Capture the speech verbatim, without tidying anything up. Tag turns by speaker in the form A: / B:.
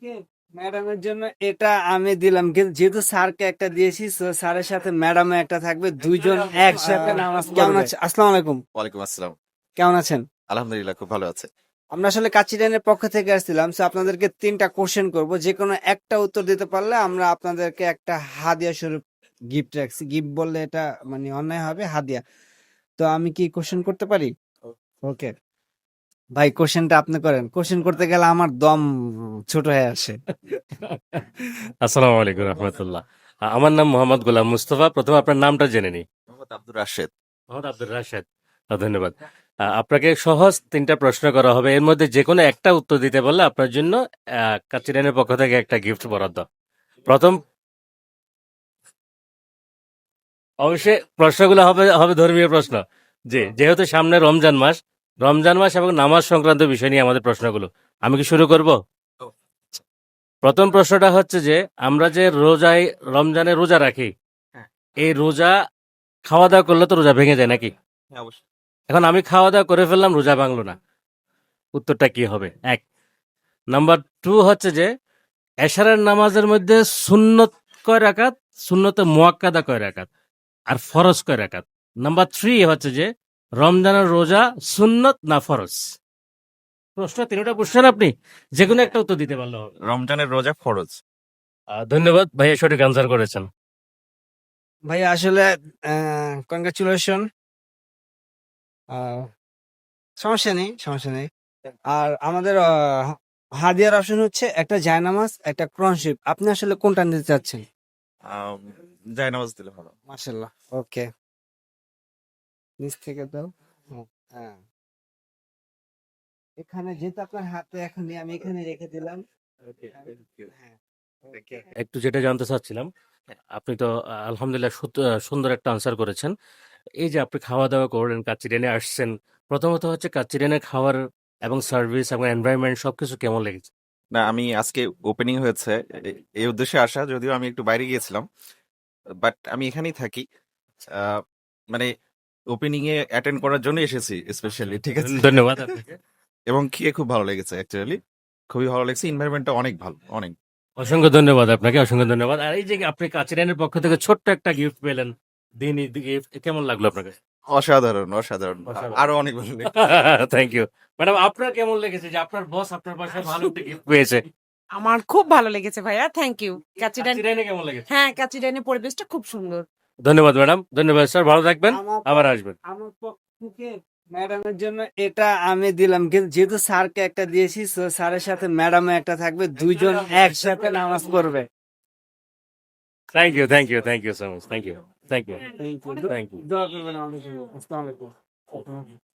A: আপুকে ম্যাডামের জন্য এটা আমি দিলাম, কিন্তু যেহেতু স্যারকে একটা দিয়েছি, তো স্যারের সাথে ম্যাডামে একটা থাকবে, দুইজন একসাথে নামাজ কেমন আছে? আসসালামু আলাইকুম,
B: ওয়ালাইকুম আসসালাম।
A: কেমন আছেন?
B: আলহামদুলিল্লাহ, খুব ভালো আছে।
A: আমরা আসলে কাচিডানের পক্ষ থেকে আসছিলাম, সো আপনাদেরকে তিনটা কোশ্চেন করব, যে কোনো একটা উত্তর দিতে পারলে আমরা আপনাদেরকে একটা হাদিয়া স্বরূপ গিফট রাখছি। গিফট বললে এটা মানে অন্যায় হবে, হাদিয়া। তো আমি কি কোশ্চেন করতে পারি? ওকে ভাই, কোশ্চেনটা আপনি করেন। কোশ্চেন করতে গেলে আমার দম ছোট হয়ে আসে।
C: আসসালামু আলাইকুম রহমতুল্লাহ। আমার নাম মোহাম্মদ গোলাম মুস্তফা। প্রথমে আপনার নামটা জেনে নিই।
B: মোহাম্মদ আব্দুর রাশেদ।
C: মোহাম্মদ আব্দুর রাশেদ। আহ, ধন্যবাদ। আহ, আপনাকে সহজ তিনটা প্রশ্ন করা হবে, এর মধ্যে যে কোনো একটা উত্তর দিতে পারলে আপনার জন্য আহ, কাচিরানের পক্ষ থেকে একটা গিফট বরাদ্দ। প্রথম অবশ্যই প্রশ্নগুলো হবে হবে ধর্মীয় প্রশ্ন। জি, যেহেতু সামনে রমজান মাস, রমজান মাস এবং নামাজ সংক্রান্ত বিষয় নিয়ে আমাদের প্রশ্নগুলো। আমি কি শুরু করব? প্রথম প্রশ্নটা হচ্ছে যে আমরা যে রোজায় রমজানে রোজা রাখি,
B: হ্যাঁ।
C: এই রোজা খাওয়া দাওয়া করলে তো রোজা ভেঙে যায় নাকি?
B: হ্যাঁ, অবশ্যই।
C: এখন আমি খাওয়া দাওয়া করে ফেললাম, রোজা ভাঙলো না, উত্তরটা কি হবে? এক। নাম্বার টু হচ্ছে যে এশারের নামাজের মধ্যে সুন্নত কয় রাকাত, সুন্নতে মুয়াক্কাদা কয় রাকাত, আর ফরজ কয় রাকাত? নাম্বার থ্রি হচ্ছে যে রমজানের রোজা সুন্নত না ফরজ? প্রশ্ন তিনটা বুঝছেন আপনি, যে কোনো একটা উত্তর দিতে পারলে হবে।
B: রমজানের রোজা ফরজ।
C: আহ, ধন্যবাদ ভাইয়া, সঠিক আনসার করেছেন।
A: ভাই আসলে কনগ্রাচুলেশন। সমস্যা নেই, সমস্যা নেই। আর আমাদের আহ, হাদিয়ার অপশন হচ্ছে একটা জায়নামাজ, একটা ক্রনশিপ। আপনি আসলে কোনটা নিতে চাচ্ছেন?
B: আম, জায়নামাজ দিলে ভালো।
A: মাশাল্লাহ, ওকে। নিচ থেকে দাও। হুম, হ্যাঁ, এখানে যেহেতু আপনার হাতে এখন নেই, আমি এখানে রেখে দিলাম। হ্যাঁ, ওকে।
C: একটু যেটা জানতে চাচ্ছিলাম, আপনি তো আহ, আলহামদুলিল্লাহ সুত- আহ, সুন্দর একটা আনসার করেছেন। এই যে আপনি খাওয়া দাওয়া করলেন, কাচ্চিডেনে আসছেন, প্রথমত হচ্ছে কাচ্চিডেনের খাবার এবং সার্ভিস এবং এনভায়রনমেন্ট সবকিছু কেমন লেগেছে?
B: না, আমি আজকে ওপেনিং হয়েছে, এ- এই উদ্দেশ্যে আসা, যদিও আমি একটু বাইরে গিয়েছিলাম, বাট আমি এখানেই থাকি। আহ, মানে ওপেনিং এ অ্যাটেন্ড করার জন্য এসেছি স্পেশালি, ঠিক আছে।
C: ধন্যবাদ আপনাকে।
B: এবং খেয়ে খুব ভালো লেগেছে, অ্যাকচুয়ালি খুবই ভালো লেগেছে। এনভায়রনমেন্টটা অনেক ভালো, অনেক।
C: অসংখ্য ধন্যবাদ আপনাকে, অসংখ্য ধন্যবাদ। আর এই যে আপনি কাচিডেনের পক্ষ থেকে ছোট্ট একটা গিফট পেলেন, দিনই গিফট, কেমন লাগলো আপনার কাছে?
B: অসাধারণ, অসাধারণ।
C: অসাধারণ।
B: আরো অনেক ভালো লেগেছে।
C: Thank you madam. আপনার কেমন লেগেছে যে আপনার বস আপনার বাসায় ভালো একটা গিফট পেয়েছে?
D: আমার খুব ভালো লেগেছে ভাইয়া, থ্যাংক ইউ। কাচিডান,
C: কাচিডেনে কেমন লেগেছে?
D: হ্যাঁ কাচিডানের পরিবেশটা খুব সুন্দর।
C: ধন্যবাদ ম্যাডাম, ধন্যবাদ স্যার, ভালো থাকবেন,
A: আমার
C: আবার আসবেন।
A: আমার পক্ষ থেকে ম্যাডামের জন্য এটা আমি দিলাম, কিন্তু যেহেতু স্যারকে একটা দিয়েছি, তো স্যারের সাথে ম্যাডামে একটা থাকবে, দুইজন একসাথে নামাজ পড়বে।
C: Thank you, thank you, thank you so much, thank you, thank you,
A: Thank you.
C: Thank you.
A: দোয়া করবেন আমাদের জন্য। আসসালামু আলাইকুম।